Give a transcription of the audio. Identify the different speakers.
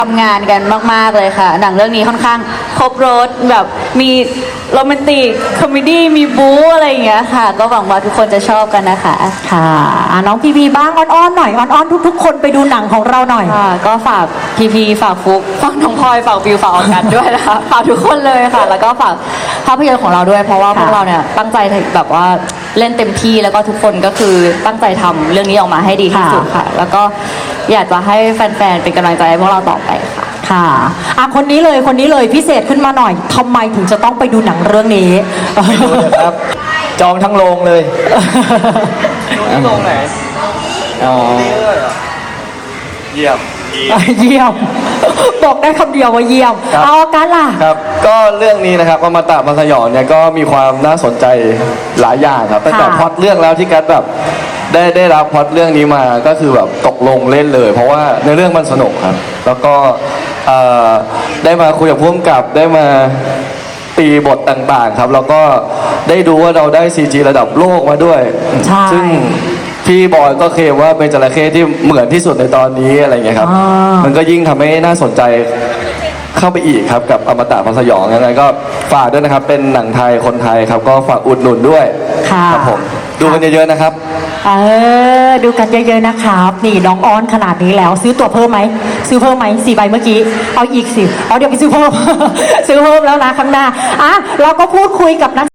Speaker 1: ทำงานกันมากๆเลยค่ะหนังเรื่องนี้ค่อนข้างครบรสแบบมีโรแมนติกคอมเมดี้มีบู๊อะไรอย่างเงี้ยค่ะก็หวังว่าทุกคนจะชอบกันนะคะ
Speaker 2: ค่ะน้องพีพีบ้างอ้อนๆหน่อยอ้อนๆทุกๆคนไปดูหนังของเราหน่อย
Speaker 1: ค่ะก็ฝากพีฝากฟุกฝากน้องพลอยฝากวิวฝากออกัสด้วยนะคะฝากทุกคนเลยค่ะแล้วก็ฝากภาพยนตร์ของเราด้วยเพราะว่าพวกเราเนี่ยตั้งใจแบบว่าเล่นเต็มที่แล้วก็ทุกคนก็คือตั้งใจทำเรื่องนี้ออกมาให้ดีที่สุดค่ะแล้วก็อยากจะให้แฟนๆเป็นกำลังใจให้พวกเราต่อไปค่ะ
Speaker 2: ค่ะคนนี้เลยพิเศษขึ้นมาหน่อยทำไมถึงจะต้องไปดูหนังเรื่องนี้
Speaker 3: ไม่รู้เลยครับจองทั้งโรงเลย
Speaker 4: ที่โรงไหน
Speaker 3: อ๋อ
Speaker 4: เยี่ยม
Speaker 2: เยี่ยมบอกได้คำเดียวว่าเยี่ยมเอากันล่ะ
Speaker 3: ครับก็เรื่องนี้นะครับอมตะมังสยองเนี่ยก็มีความน่าสนใจหลายอย่างครับตั้งแต่พล็อตเรื่องแล้วที่กัสแบบได้รับพล็อตเรื่องนี้มาก็คือแบบตกลงเล่นเลยเพราะว่าในเรื่องมันสนุกครับแล้วก็ได้มาคุยกับผู้กำกับได้มาตีบทต่างๆครับแล้วก็ได้ดูว่าเราได้ CG ระดับโลกมาด้วยซึ่งพี่บอยก็เคลมว่าเป็นจระเข้ที่เหมือนที่สุดในตอนนี้อะไรเงี้ยครับมันก็ยิ่งทำให้น่าสนใจเข้าไปอีกครับกับอมตะมังสยองยังไงก็ฝากด้วยนะครับเป็นหนังไทยคนไทยครับก็ฝากอุดหนุนด้วยครับผมดูกันเยอะๆนะครับ
Speaker 2: ดูกันเยอะๆนะครับนี่น้องอ้อนขนาดนี้แล้วซื้อตั๋วเพิ่มไหมซื้อเพิ่มไหม4 ใบเมื่อกี้เอาอีกสิเดี๋ยวไปซื้อเพิ่ม ซื้อเพิ่มแล้วนะข้างหน้าเราก็พูดคุยกับนัก